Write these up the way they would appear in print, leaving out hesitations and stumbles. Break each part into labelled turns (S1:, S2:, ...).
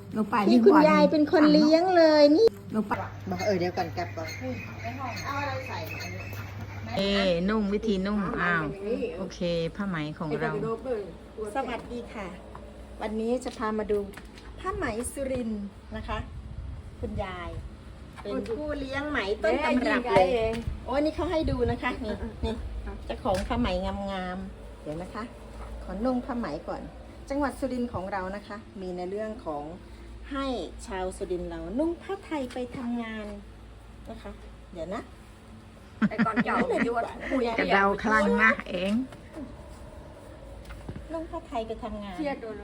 S1: ลงไป
S2: ที่คุณยายเป็นคนเลี้ยงเลยนี่
S1: ลงไป
S2: บอกเดี๋ยวก่อนกลับก่อนเอาอะไรใส่
S1: นุ่งวิธีนุ่งอ้าวโอเคผ้าไหมของเรา
S2: สวัสดีค่ะ วันนี้จะพามาดูผ้าไหมสุรินทร์นะคะ คุณยาย เป็นผู้เลี้ยงไหมต้นตำรับเลยโอ้นี่เขาให้ดูนะคะนี่นี่เจ้าของผ้าไหมงามๆเดี๋ยวนะคะ ขอนุ่งผ้าไหมก่อน จังหวัดสุรินทร์ของเรานะคะ มีในเรื่องของให้ชาวสุรินทร์เรานุ่งผ้าไทยไปทำงานนะคะ เดี๋ยวนะ
S3: ไอ้ก่อนเก่าเลยด้วย
S1: กระเดาคลั่งนะเอง
S2: นุ่งผ้าไทยไปทำงาน
S3: เครียดโดนเลย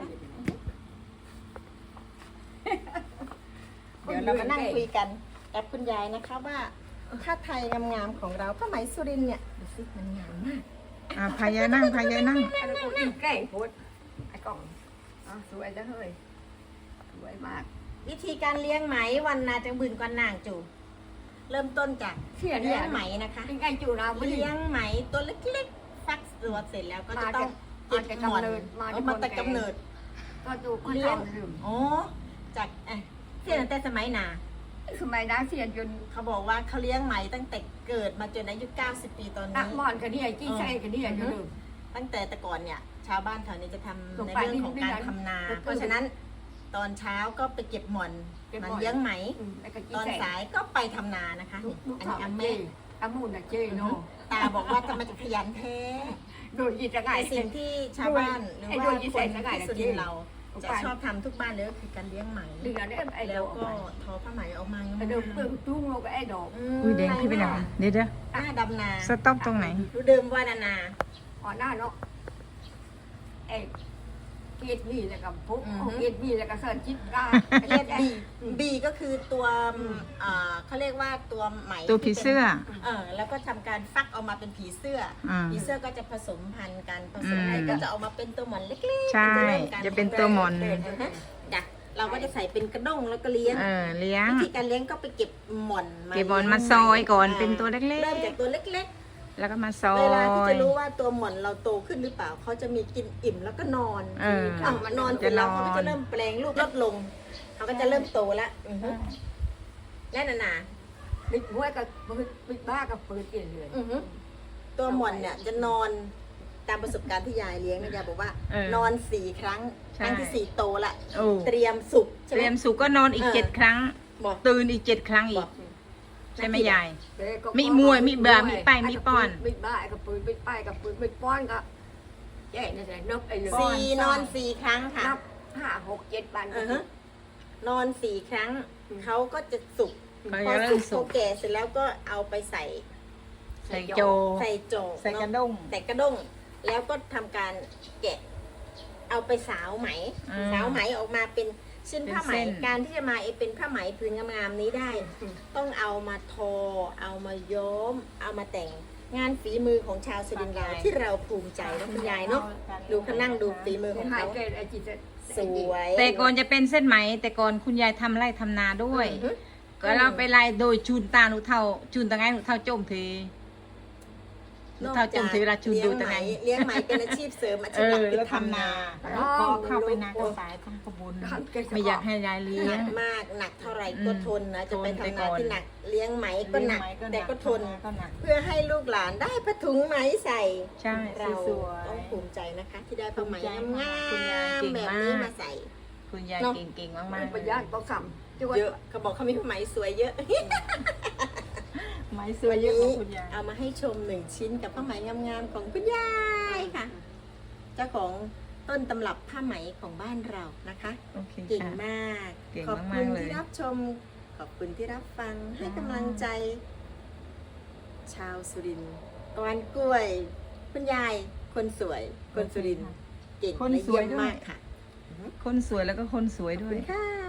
S2: เดี๋ยวเรามานั่งคุยกันกับคุณยายนะคะว่าผ้าไทยงามๆของเราผ้าไหมสุรินทร์เนี่ยดูสิมันงามมาก
S1: พายายนั่งพายายนั่ง
S3: ไอ้กูอิ่มใกล้โพดไอ้กล่องสวยจังเลยสวยมาก
S2: วิธีการเลี้ยงไหมวันนาจังบืนก่อนนางจูเริ่มต้นจาก
S3: เสีย
S2: เลี้
S3: เนี่ย ย
S2: งไหมนะคะ
S3: เป็นไงจูเราไม่
S2: เลี้ยงไหมตัวเล็กๆฟักตัวเสร็จแล้วก็จะต้องเก็บหมอนมาแต่กำเนิด
S3: ก็ดูคน
S2: เลี้ยง
S3: เอาลืม
S2: อ๋อจากเสียตั้งแต่สมัยนา
S3: สมัยนั้นเสียจน
S2: เขาบอกว่าเขาเลี้ยงไหมตั้งแต่เกิดมาจนอายุ90 ปีตอน
S3: นั
S2: นี้
S3: กมอนกันนี่ไอ้จี้ใส่กันนี่ไอ้ลืม
S2: ตั้งแต่แต่ก่อนเนี่ย ชาวบ้านแถวนี้จะทำ
S3: ลง
S2: ใน
S3: ไป
S2: เรื่องของการ
S3: นิดๆ
S2: ทำนา
S3: นิดๆ
S2: เพราะฉะนั้นตอนเช้าก็ไปเก็บหม่อน
S3: เก็บหม่
S2: มั
S3: อน
S2: นเลี้ยงไหม
S3: ไอ้กะจี้
S2: ตอน
S3: ใส่
S2: สายก็ไปทำนานะคะ
S3: ลู
S2: นี่
S3: ก
S2: อัน
S3: สา
S2: นี้
S3: ว
S2: อา
S3: เจ้
S2: แม่
S3: อามูนอะเจ้เนาะ
S2: ตาบอกว่าทำไมจะขยันแท้
S3: โดนยีจะไง
S2: แต่สิ่งที่ชาวบ้านหรือ
S3: ไอ้
S2: ว่า
S3: โดนยี่
S2: ค
S3: ใส่
S2: น
S3: สกาย
S2: ที่
S3: นะ
S2: สุรินทร์เรา
S3: เจ๊
S2: จะชอบทำทุกบ้านเลยก็คือการเลี้ยงไหม
S3: ดึงอันนี้ไอ้
S2: แล้
S3: ด
S2: ว
S3: อก
S2: ก็ทอผ้าไหมออกมางาม
S3: ไอ้ดอกเปลือกตุ้งเราก็ไอ้ดอก
S1: อุ้ยแดงขึ้นไปหน่อยเดี๋ยว
S2: หน้าดำนา
S1: สต็อปตรงไหน
S2: รู้เดิมว่านานา
S3: อ่อนหน้าเนาะไอ้เกตบีแล้วก็ปุ๊บเกตบีแล้วก็เสิร์ชจิตรา
S2: เรียกบีก็คือตัวเขาเรียกว่าตัวไหม
S1: ตัวผีเสื้อ
S2: แล้วก็ทำการฟักออกมาเป็นผีเสื้ออ
S1: ม
S2: ผีเสื้อก็จะผสมพันธุ์กันผสม
S1: อืม
S2: อะไรก็จะออกมาเป็นตัวหมอนเล็กๆ
S1: ใช่
S2: ริ่มการ
S1: จะเป็นตัวหม่อน
S2: จ้ะเราก็จะใส่เป็นกระด้งแล้วก็เลี้ยง
S1: เลี้ยง
S2: วิธีการเลี้ยงก็ไปเก็บหม่อน
S1: เก็บบอลมาซอยก่อนเป็นตัวเล็ก
S2: เริ่มจากตัวเล็ก
S1: ๆ แล้วก็มาซ
S2: ๆ
S1: อ
S2: เวลาที่
S1: ย
S2: จะรู้ว่าตัวหม่อนเราโตขึ้นหรือเปล่าเขาจะมีกินอิ่มแล้วก็นอน นอนเสร็จแล้วเขาก็จะเริ่มแปลงรูปลดลงเขาก็จะเริ่มโตแล้วและนา
S3: บิ๊กบ้ากับบิ๊กบ้ากับปืนเกลียดเลย
S2: ตัวหม่อนเนี่ยจะนอนตามประสบการณ์ที่ยายเลี้ยงนะยายบอกว่า นอน4 ครั้งครั้งที่ 4โตละ
S1: โอ้
S2: เตรียมสุกใช่
S1: เต
S2: ไหม
S1: รียมสุกก็นอนอีก7 ครั้ง
S2: บอก
S1: ตื่นอีก7 ครั้งอี
S2: บ
S1: ก
S2: อก
S1: ใช่ไหมยาย มีมวยมีเบื่อมีไปมีป้อน
S3: บิ๊กบ้ากับปืนบิ๊กไปกับปืนบิ๊กป้อนก็แย่นั่นแหละนกไอ้เลย
S2: นอน4 ครั้งค่ะ
S3: นับ5 6 7 วัน
S2: นอน4 ครั้งเขาก็จะสุก
S1: เขา
S2: พอ
S1: จะเริ่
S2: สุ
S1: ม
S2: ก
S1: สุ
S2: เขา
S1: ก
S2: แก่เสร็จแล้วก็เอาไปใส่
S1: ใส่โจ
S2: ใส่โจก
S1: ใส่กระ
S2: เน
S1: ด้ง
S2: ใส่กระด้งแล้วก็ทำการแกะ เอาไปสาวไหม สาวไหมออกมาเป็นชิ้นผ้าไหม
S1: เป็นเส้น
S2: การที่จะมาเป็นผ้าไหมพื้นงามๆนี้ได้ ต้องเอามาทอ เอามาย้อม เอามาแต่งงานฝีมือของชาวสุรินทร์เราที่เราภูมิใจนะคุณยายเนาะดูเขานั่งดูฝีมือของ
S3: หาย
S2: เขา
S3: เกลียดไอ้จิต
S2: สวย
S1: แต่ก่อนจะเป็นเส้นไหม แต่ก่อนคุณยายทำไร่ทำนาด้วย ก็เราไปไล่โดยจูนตาหนูเท่าจูนตะไงหนูเท่าจมทีหนูเท่าจมทีเวลาจูนดูตะไง
S2: เลี้ยงไหมเป็นอาชีพเสริมอาชีพหลักคือทำนา
S1: แล้วก็เข้าไปนาก็สายทำกระบุญไม่อยากให้ยายเลี้
S2: ห
S1: ย
S2: นั
S1: ง
S2: กมากหนักเท่าไหร่ก็ทนนะจะไป
S1: ทนไป
S2: ทำ
S1: ก่
S2: นา
S1: อน
S2: ที่หนักเลี้ยงไหมก็หนัก แต่ก็ทน
S1: ก็หนัก
S2: เพื่อให้ลูกหลานได้ผ้าถุงไหมใส่
S1: ใช่
S2: เรา
S1: สวยๆ
S2: ต้องภูมิใจนะคะ ที่ได้ผ้าไหม
S1: ภูมิใจ
S2: งาม
S1: คุณยายเก่ง
S2: ๆแบบ
S1: มาก
S2: นี้มาใส่
S1: คุณยายเก่งๆมาก
S3: มัน
S1: ๆ
S3: ประหยัดก็ขำจังหวะ
S2: เยอะเขาบอกเขามีผ้าไหมสวยเยอะ
S1: ไม้สวยเยอะของคุณยาย
S2: เอามาให้ชม1 ชิ้นกับผ้าไหมงามๆของคุณยายค่ะ เจ้าของต้นตำรับผ้าไหมของบ้านเรานะคะ
S1: โอเค
S2: เก่ง
S1: ค่ะ
S2: มาก
S1: เก่ง
S2: ขอบ
S1: มา
S2: คุ
S1: ก
S2: ณ
S1: ๆเลย
S2: ที่รับชม ขอบคุณที่รับฟัง ให้กำลังใจ ชาวสุรินทร์กวนกล้วย คุณยาย คนสวย คนสุรินทร์เก่ง
S1: คน
S2: และ
S1: สวย
S2: เยี่ยม
S1: ด้วย
S2: มากค่ะ
S1: คนสวยแล้วก็คนสวย
S2: ขอบ
S1: ด้ว
S2: คุ
S1: ย
S2: ณค่ะ